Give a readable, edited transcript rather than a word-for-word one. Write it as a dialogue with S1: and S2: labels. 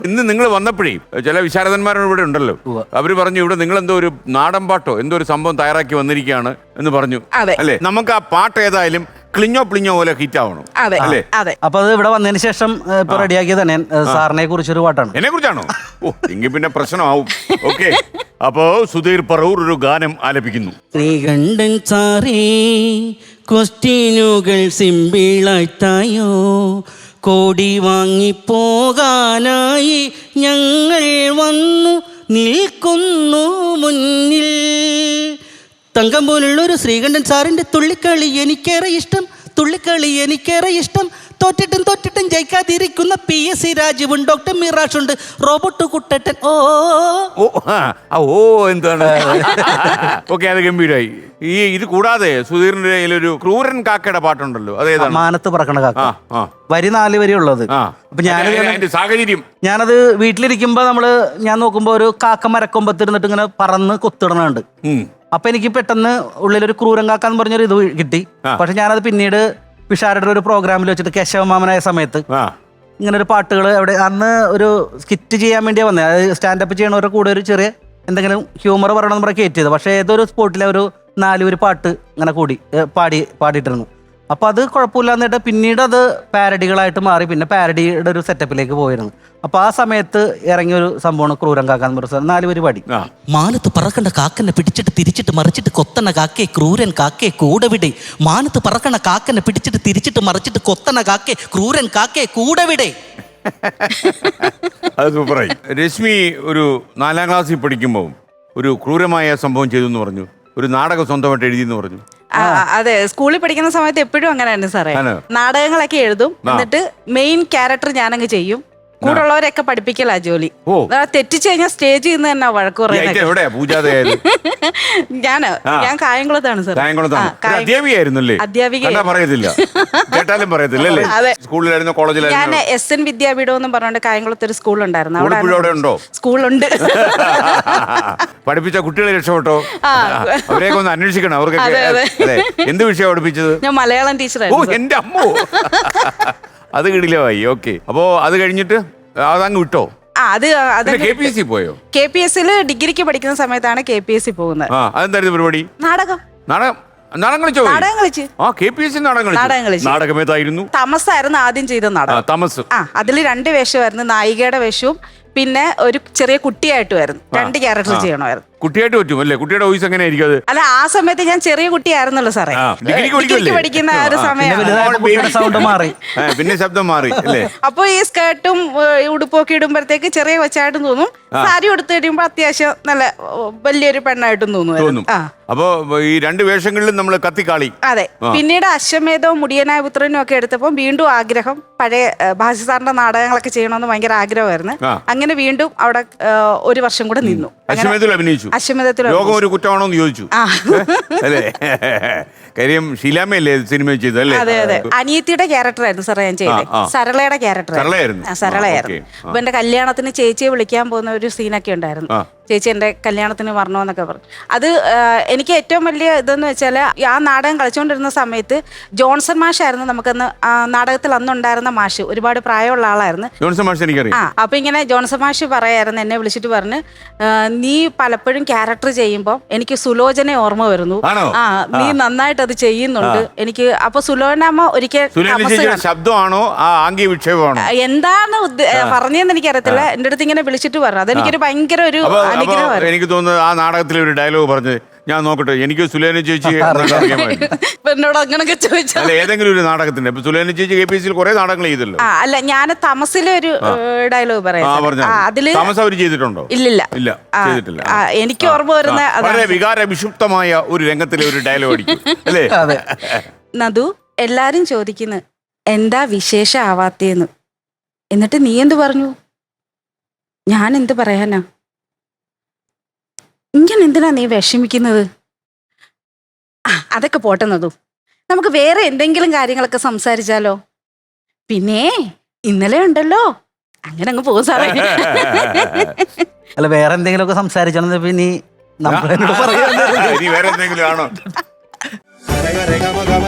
S1: ഇന്ന് നിങ്ങൾ വന്നപ്പോഴേ ചില വിശാരദന്മാരും ഇവിടെ ഉണ്ടല്ലോ, അവര് പറഞ്ഞു ഇവിടെ നിങ്ങൾ എന്തോ ഒരു നാടൻ പാട്ടോ എന്തോ ഒരു സംഭവം തയ്യാറാക്കി വന്നിരിക്കുകയാണ് എന്ന് പറഞ്ഞു. അല്ലേ, നമുക്ക് ആ പാട്ട് ഏതായാലും ക്ലിഞ്ഞോ പ്ലിഞ്ഞോ പോലെ ഹിറ്റ് ആവണം അല്ലേ?
S2: അപ്പൊ അത് ഇവിടെ വന്നതിന് ശേഷം ഇപ്പൊ റെഡിയാക്കിയത് തന്നെ സാറിനെ കുറിച്ചൊരു പാട്ടാണ്.
S1: എന്നെ കുറിച്ചാണോ? ഓ, എങ്കിൽ പിന്നെ പ്രശ്നമാവും. ഓക്കെ, അപ്പോ സുധീർ പറവൂർ ഒരു ഗാനം ആലപിക്കുന്നു.
S3: ശ്രീകണ്ഠൻ സാറേ, ക്വസ്റ്റ്യനുകൾ സിമ്പിളായിട്ടായോ, കോടി വാങ്ങിപ്പോകാനായി ഞങ്ങൾ വന്നു നിൽക്കുന്നു മുന്നിൽ. തങ്കം പോലുള്ളൊരു ശ്രീകണ്ഠൻ സാറിൻ്റെ തുള്ളിക്കളി എനിക്കേറെ ഇഷ്ടം, തുള്ളിക്കളി എനിക്കേറെ ഇഷ്ടം. തോറ്റിട്ടും ജയിക്കാതിരിക്കുന്ന PS രാജുവും ഡോക്ടർ മിറാഷുണ്ട്, റോബോട്ട് കുട്ടട്ടൻ. ഓ
S1: എന്താണ്? ഓക്കെ, അത് ഗംഭീരമായി. ഇത് കൂടാതെ സുധീറിന്റെ കയ്യിലൊരു ക്രൂരൻ കാക്കയുടെ പാട്ടുണ്ടല്ലോ, അതേതാണ്?
S2: മാനത്ത് പറക്കണ കാക്ക. വരി 4 വരി ഉള്ളത്. അപ്പൊ
S1: സാഹചര്യം
S2: ഞാനത് വീട്ടിലിരിക്കുമ്പോ ഞാൻ നോക്കുമ്പോ ഒരു കാക്ക മരക്കൊമ്പത്തിരുന്നിട്ട് ഇങ്ങനെ പറന്ന് കൊത്തിടണുണ്ട്. അപ്പൊ എനിക്ക് പെട്ടെന്ന് ഉള്ളിലൊരു ക്രൂരൻ കാക്കാന്ന് പറഞ്ഞൊരു ഇത് കിട്ടി. പക്ഷെ ഞാനത് പിന്നീട് വിഷാരുടെ ഒരു പ്രോഗ്രാമിൽ വെച്ചിട്ട് കേശവമാമനായ സമയത്ത് ഇങ്ങനെ ഒരു പാട്ടുകൾ അവിടെ അന്ന് ഒരു സ്കിറ്റ് ചെയ്യാൻ വേണ്ടിയാണ് വന്നത്. അത് സ്റ്റാൻഡപ്പ് ചെയ്യണവരുടെ കൂടെ ഒരു ചെറിയ എന്തെങ്കിലും ഹ്യൂമർ പറയണമെന്ന് പറഞ്ഞാൽ കയറ്റിയത്. പക്ഷേ ഏതൊരു സ്പോട്ടിലെ ഒരു 4 വരി പാട്ട് ഇങ്ങനെ പാടിയിട്ടിരുന്നു. അപ്പോൾ അത് കുഴപ്പമില്ല എന്നിട്ട് പിന്നീട് അത് പാരഡികളായിട്ട് മാറി. പിന്നെ പാരഡിയുടെ ഒരു സെറ്റപ്പിലേക്ക് പോയിരുന്നു. അപ്പോൾ ആ സമയത്ത് ഇറങ്ങിയൊരു സംഭവമാണ് ക്രൂരൻ കാക്കാന്ന് പറഞ്ഞ 4 വരി പാടി.
S3: മാനത്ത് പറക്കണ്ട കാക്കനെ പിടിച്ചിട്ട് തിരിച്ചിട്ട് മറിച്ചിട്ട് കൊത്തണ കാക്കേ ക്രൂരൻ കാക്കേ കൂടവിടെ. മാനത്ത് പറക്കണ കാക്കനെ പിടിച്ചിട്ട് തിരിച്ചിട്ട് മറിച്ചിട്ട് കൊത്തണ കാക്കേ ക്രൂരൻ കാക്കേ കൂടവിടെ.
S1: അത് സൂപ്പറായി. രശ്മി ഒരു 4ാം ക്ലാസ്സിൽ പഠിക്കുമ്പോൾ ഒരു ക്രൂരമായ സംഭവം ചെയ്തു എന്ന് പറഞ്ഞു, ഒരു നാടകം സ്വന്തമായിട്ട് എഴുതിയെന്ന് പറഞ്ഞു.
S4: അതെ, സ്കൂളിൽ പഠിക്കുന്ന സമയത്ത് എപ്പോഴും അങ്ങനെയാണ് സാറേ. നാടകങ്ങളൊക്കെ എഴുതും, എന്നിട്ട് മെയിൻ ക്യാരക്ടർ ഞാനങ്ങ് ചെയ്യും. കൂടുള്ളവരെയൊക്കെ പഠിപ്പിക്കലാ ജോലി. തെറ്റിച്ചു കഴിഞ്ഞാൽ സ്റ്റേജിൽ നിന്ന് തന്നെ വഴക്ക് പറയുന്നത്. ഞാൻ കായംകുളത്താണ് സാർ. അധ്യാപിക ഞാൻ SN വിദ്യാപീഠം എന്നും പറഞ്ഞുകൊണ്ട് കായംകുളത്ത് ഒരു സ്കൂളുണ്ടായിരുന്നു. അവിടെ സ്കൂളുണ്ട്.
S1: പഠിപ്പിച്ച കുട്ടികളെ രക്ഷപ്പെട്ടോ? അവരെയൊക്കെ ഒന്ന് അന്വേഷിക്കണം. അവർക്കൊക്കെ എന്ത് വിഷയം പഠിപ്പിച്ചത്?
S4: ഞാൻ മലയാളം ടീച്ചറായിരുന്നു.
S1: എന്റെ അമ്മോ, അത് കിടിലമായി. ഓക്കെ, അപ്പോ അത് കഴിഞ്ഞിട്ട് അതങ്ങ് വിട്ടോ? പോയോ?
S4: KPSC ഡിഗ്രിക്ക് പഠിക്കുന്ന സമയത്താണ് KPSC പോകുന്നത്.
S1: അതെന്തായിരുന്നു പരിപാടി? നാടകം കളിച്ചു. നാടകമേതായിരുന്നു?
S4: തമസായിരുന്നു ആദ്യം ചെയ്ത നാടകം.
S1: തമസ്.
S4: അതിൽ 2 വേഷമായിരുന്നു, നായികയുടെ വേഷവും പിന്നെ ഒരു ചെറിയ കുട്ടിയായിട്ട് വരുന്നു. 2 ക്യാരക്ടർ ചെയ്യണമായിരുന്നു.
S1: കുട്ടിയായിട്ട് പറ്റും അല്ലേ? കുട്ടിയുടെ വോയിസ് എങ്ങനെ ആയിരിക്കും അത്?
S4: അല്ല, ആ സമയത്ത് ഞാൻ ചെറിയ കുട്ടിയായിരുന്നല്ലോ സാറേ, ഡിഗ്രിക്ക് പഠിക്കുന്ന ഒരു സമയം.
S1: പിന്നെ ശബ്ദം മാറി അല്ലേ?
S4: അപ്പൊ ഈ സ്കേർട്ടും ഉടുപ്പൊക്കെ ഇടുമ്പോഴത്തേക്ക് ചെറിയ കൊച്ചായിട്ടും തോന്നും. സാരി എടുത്ത് കഴിയുമ്പോ അത്യാവശ്യം നല്ല വലിയൊരു പെണ്ണായിട്ടും തോന്നും.
S1: അപ്പൊ ഈ 2 വേഷങ്ങളിലും നമ്മൾ കത്തിക്കാളി.
S4: അതെ. പിന്നീട് അശ്വമേധവും മുടിയനായ പുത്രനും ഒക്കെ എടുത്തപ്പോ വീണ്ടും ആഗ്രഹം, പഴയ ഭാഷി സാറിന്റെ നാടകങ്ങളൊക്കെ ചെയ്യണമെന്ന് ഭയങ്കര ആഗ്രഹമായിരുന്നു. അങ്ങനെ വീണ്ടും അവിടെ 1 വർഷം കൂടെ നിന്നു.
S1: അശ്വമേധത്തിൽ അഭിനയിച്ചു. ലോകം ഒരു കുറ്റമാണോന്ന് ചോദിച്ചു അല്ലേ? കാര്യം ഷീലാമ്മയല്ലേ സിനിമ ചെയ്തല്ലേ?
S4: അതെ അതെ. അനിയത്തിയുടെ ക്യാരക്ടറായിരുന്നു സാറേ ഞാൻ ചെയ്തത്. സരളയുടെ ക്യാരക്ടറായിരുന്നു. അപ്പൊ എന്റെ കല്യാണത്തിന് ചേച്ചിയെ വിളിക്കാൻ പോകുന്ന ഒരു സീനൊക്കെ ഉണ്ടായിരുന്നു. ചേച്ചി എന്റെ കല്യാണത്തിന് വരണമെന്നൊക്കെ പറഞ്ഞു. അത് എനിക്ക് ഏറ്റവും വലിയ ഇതെന്ന് വെച്ചാൽ ആ നാടകം കളിച്ചുകൊണ്ടിരുന്ന സമയത്ത് ജോൺസൺ മാഷായിരുന്നു നമുക്കന്ന് നാടകത്തിൽ അന്നുണ്ടായിരുന്ന മാഷ്. ഒരുപാട് പ്രായമുള്ള ആളായിരുന്നു
S1: ജോൺസൺ മാഷ്, എനിക്കറിയാം.
S4: അപ്പൊ ഇങ്ങനെ ജോൺസൺ മാഷ് പറയായിരുന്നു, എന്നെ വിളിച്ചിട്ട് പറഞ്ഞ്, നീ പലപ്പോഴും ക്യാരക്ടർ ചെയ്യുമ്പോൾ എനിക്ക് സുലോചനെ ഓർമ്മ വരുന്നു. നീ നന്നായിട്ട് അത് ചെയ്യുന്നുണ്ട്. എനിക്ക് അപ്പൊ സുലോചനമ്മ ഒരിക്കൽ
S1: ശബ്ദമാണോ ആംഗ്യ വിക്ഷേപമാണോ
S4: എന്താണ് പറഞ്ഞതെന്ന് എനിക്കറിയത്തില്ല, എന്റെ അടുത്ത് ഇങ്ങനെ വിളിച്ചിട്ട് പറഞ്ഞു. അതെനിക്കൊരു ഭയങ്കര ഒരു അനുഗ്രഹമായിരുന്നു.
S1: എനിക്ക് തോന്നുന്നത് ആ നാടകത്തിലെ ഒരു ഡയലോഗ് പറഞ്ഞ് ഞാൻ നോക്കട്ടെ, എനിക്ക് സുലേന ചേച്ചി
S4: എന്നോട് അങ്ങനൊക്കെ ചോദിച്ചാൽ
S1: ഏതെങ്കിലും ഒരു നാടകത്തിന്റെ സുലേന ചേച്ചി KPSC കുറെ നാടകങ്ങൾ ചെയ്തല്ലോ.
S4: അല്ല, ഞാൻ തമസിലെ ഒരു ഡയലോഗ് പറയാം. അതില് തമസ് അവർ ചെയ്തിട്ടുണ്ടോ? ഇല്ല ചെയ്തിട്ടില്ല. എനിക്ക് ഓർമ്മ വരുന്ന
S1: വളരെ വികാര വിഷുപ്തമായ ഒരു രംഗത്തിലെ ഒരു ഡയലോഗ് അടിക്കും അല്ലേ?
S4: നദു, എല്ലാരും ചോദിക്കുന്നു എന്താ വിശേഷം ആവാത്തേന്ന്, എന്നിട്ട് നീ എന്ത് പറഞ്ഞു? ഞാൻ എന്ത് പറയാനാ? ഇങ്ങനെ എന്തിനാ നീ വിഷമിക്കുന്നത്? അതൊക്കെ പോട്ടെ നദു, നമുക്ക് വേറെ എന്തെങ്കിലും കാര്യങ്ങളൊക്കെ സംസാരിച്ചാലോ? പിന്നെ ഇന്നലെ ഉണ്ടല്ലോ, അങ്ങനെ അങ്ങ് പോകും സാറേ.
S2: അല്ല, വേറെ എന്തെങ്കിലുമൊക്കെ സംസാരിച്ചാൽ പിന്നെ
S1: വേറെ എന്തെങ്കിലും ആണോ?